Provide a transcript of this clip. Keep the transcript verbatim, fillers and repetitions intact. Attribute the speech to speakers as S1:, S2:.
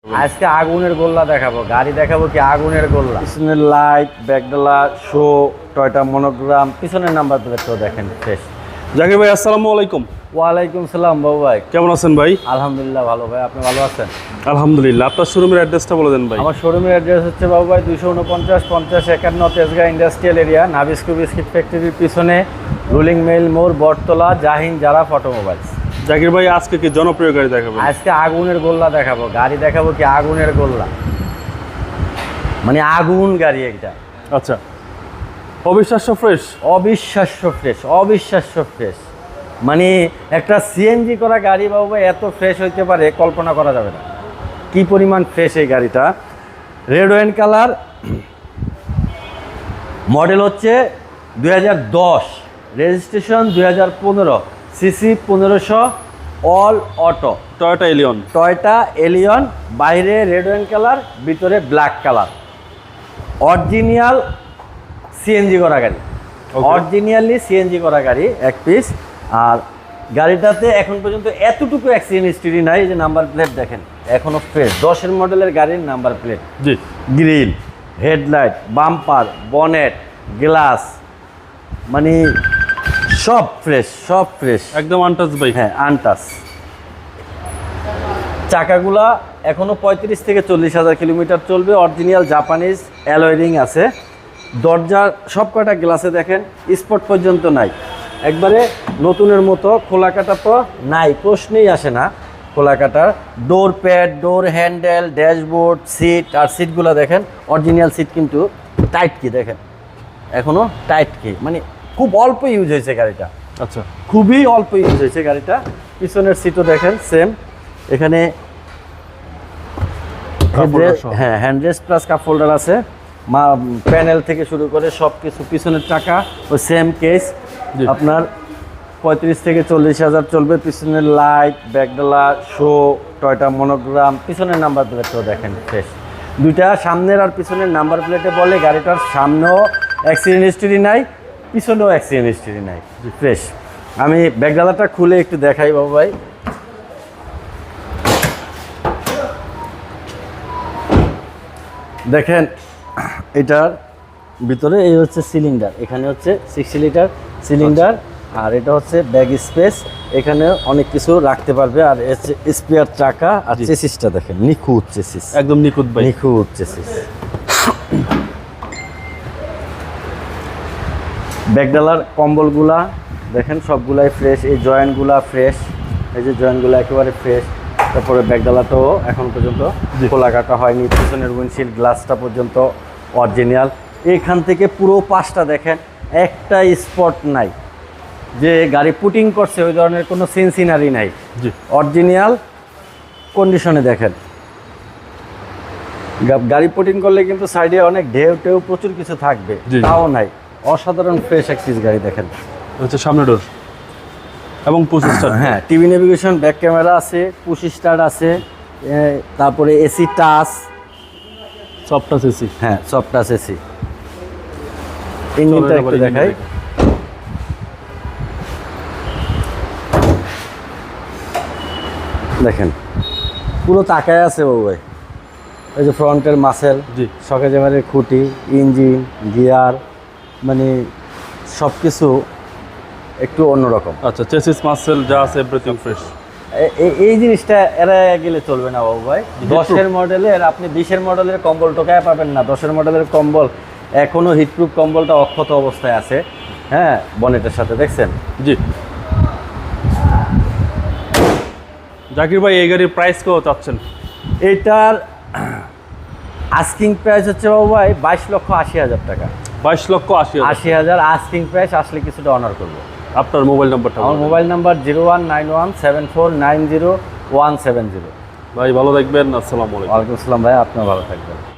S1: আজকে আগুনের গোল্লা দেখাবো, গাড়ি দেখাবো কি আগুনের গোল্লা। পিছনের লাইট, ব্যাকডালা, শো, টয়টা মনোগ্রাম, পিছনের নাম্বার প্লেটটাও দেখেন ফ্রেশ।
S2: জাকির ভাই আসসালামু আলাইকুম।
S1: ওয়ালাইকুম সালাম বাবু ভাই,
S2: কেমন আছেন ভাই?
S1: আলহামদুলিল্লাহ ভালো ভাই, আপনি ভালো আছেন?
S2: আলহামদুলিল্লাহ। আপনার শোরুমের অ্যাড্রেসটা বলে দেন ভাই।
S1: আমার শোরুমের অ্যাড্রেস হচ্ছে বাবু ভাই দুইশো উনপঞ্চাশ পঞ্চাশ একান্ন Tejgaon industrial area, Nabisco biscuit ফ্যাক্টরির পিছনে, রুলিং মেইল মোড়, বটতলা, জাহিন জারা অটোমোবাইলস।
S2: জাকির ভাই আজকে কি জনপ্রিয় গাড়ি দেখাবেন?
S1: আজকে আগুনের গোল্লা দেখাবো, গাড়ি দেখাবো কি আগুনের গোল্লা, মানে আগুন গাড়ি একটা।
S2: আচ্ছা, অবিশ্বাস্য ফ্রেশ।
S1: অবিশ্বাস্য ফ্রেশ, অবিশ্বাস্য ফ্রেশ, মানে একটা সিএনজি করা গাড়ি বাবু ভাই এত ফ্রেশ হইতে পারে কল্পনা করা যাবে না। কি পরিমাণ ফ্রেশ এই গাড়িটা। রেড ওয়াইন কালার, মডেল হচ্ছে দুই হাজার দশ, রেজিস্ট্রেশন দুই হাজার পনেরো, সিসি পনেরোশো, all auto,
S2: Toyota Allion.
S1: Toyota Allion, বাইরে রেড ওয়াইন কালার, ভিতরে ব্ল্যাক কালার, অরিজিনাল সিএনজি করা গাড়ি, অরিজিনালি সিএনজি করা গাড়ি এক পিস। আর গাড়িটাতে এখন পর্যন্ত এতটুকু অ্যাক্সিডেন্ট হিস্ট্রি নাই, যে নাম্বার প্লেট দেখেন এখনো ফ্রেশ, দশের মডেলের গাড়ির নাম্বার প্লেট,
S2: জি,
S1: grill, headlight, bumper, bonnet, glass, মানে সব ফ্রেশ, সব ফ্রেশ,
S2: একদম আনটাচ ভাই।
S1: হ্যাঁ আনটাস। চাকাগুলা এখনো পঁয়ত্রিশ থেকে চল্লিশ হাজার কিলোমিটার চলবে, অরিজিনাল জাপানিজ অ্যালয় রিং আছে। দরজার সব কটা গ্লাসে দেখেন স্পট পর্যন্ত নাই, একবারে নতুনের মতো। খোলা কাটা তো নাই, প্রশ্নেই আসে না খোলা কাটার। Door pad, door handle, dashboard, seat, আর সিটগুলো দেখেন অরিজিনাল সিট, কিন্তু টাইট কি দেখেন এখনো টাইট কি, মানে খুব অল্প ইউজ হয়েছে গাড়িটা।
S2: আচ্ছা,
S1: খুবই অল্প ইউজ হয়েছে গাড়িটা। পিছনের সিটও দেখেন সেম, এখানে হ্যাঁ হ্যান্ডরেস্ট প্লাস কাপ হোল্ডার আছে, মা প্যানেল থেকে শুরু করে সব কিছু। পিছনের চাকা ও সেম কেস, আপনার পঁয়ত্রিশ থেকে চল্লিশ হাজার চলবে। পিছনের লাইট, ব্যাকডালা, শো, টয়টা মনোগ্রাম, পিছনের নাম্বার প্লেটটাও দেখেন ফ্রেশ। দুইটা সামনের আর পিছনের নাম্বার প্লেটে বলে গাড়িটার সামনেও অ্যাক্সিডেন্ট হিস্ট্রি নাই, পিছনেও অ্যাক্সিডেন্ট হিস্ট্রি নাই, ফ্রেশ। আমি ব্যাকডালাটা খুলে একটু দেখাই বাবু ভাই। দেখেন এটার ভিতরে এই হচ্ছে সিলিন্ডার, এখানে হচ্ছে সিক্সটি লিটার সিলিন্ডার, আর এটা হচ্ছে ব্যাগ স্পেস, এখানে অনেক কিছু রাখতে পারবে। আর স্পেয়ার চাকা, আর চেসিসটা দেখেন নিখুঁত চেসিস,
S2: একদম নিখুঁত ভাই,
S1: নিখুঁত চেসিস। ব্যাকডালার কম্বলগুলা দেখেন সবগুলাই ফ্রেশ, এই জয়েন্টগুলা ফ্রেশ, এই যে জয়েন্টগুলো একেবারে ফ্রেশ। তারপরে ব্যাকডালাটাও এখন পর্যন্ত খোলা কাটা হয়নি, পিছনের উইন্ডশিল্ড গ্লাসটা পর্যন্ত অরিজিনাল। এইখান থেকে পুরো পাশটা দেখেন একটা স্পট নাই, যে গাড়ি পুটিং করছে ওই ধরনের কোনো সিনসিনারি নাই, অরিজিনাল কন্ডিশনে দেখেন। গাড়ি পুটিং করলে কিন্তু সাইডে অনেক ঢেউ টেউ প্রচুর কিছু থাকবে, তাও নাই, অসাধারণ ফ্রেশ এক পিস গাড়ি দেখেন।
S2: হচ্ছে সামনে ডোর এবং পুশ স্টার্ট,
S1: হ্যাঁ টিভি নেভিগেশন, ব্যাক ক্যামেরা আছে, পুশ স্টার্ট আছে, তারপরে AC touch,
S2: soft touch AC,
S1: হ্যাঁ সফট টাচ এসি। ইঞ্জিনটা একটু দেখাই, দেখেন পুরো তাকায় আছে বাবু ভাই। এই যে ফ্রন্টের মাসেল,
S2: জি,
S1: সকেজেমারের খুঁটি, ইঞ্জিন, গিয়ার, মানে সব কিছু একটু অন্যরকম।
S2: আচ্ছা, চেসিস মাসেল যা আছে এভরিথিং ফ্রেশ।
S1: এই জিনিসটা এরা গেলে চলবে না বাবু ভাই। দশের মডেলের আপনি বিশের মডেলের কম্বল টোকায় পাবেন না। দশের মডেলের কম্বল এখনো হিটপ্রুফ কম্বলটা অক্ষত অবস্থায় আছে, হ্যাঁ বনেটের সাথে দেখছেন।
S2: জি, জাকির ভাই এই গাড়ির প্রাইস কত চাচ্ছেন?
S1: এইটার আস্কিং প্রাইস হচ্ছে বাবু ভাই বাইশ লক্ষ আশি হাজার টাকা।
S2: বাইশ লক্ষ আশি
S1: আশি হাজার আস্কিং প্রাইস, আসলে কিছুটা অনার করবো।
S2: আপনার মোবাইল নাম্বারটা?
S1: আমার mobile number zero one nine one seven four nine zero one seven zero.
S2: ভাই ভালো থাকবেন, আসসালামু আলাইকুম।
S1: ওয়ালাইকুম আসসালাম ভাই, আপনিও ভালো থাকবেন।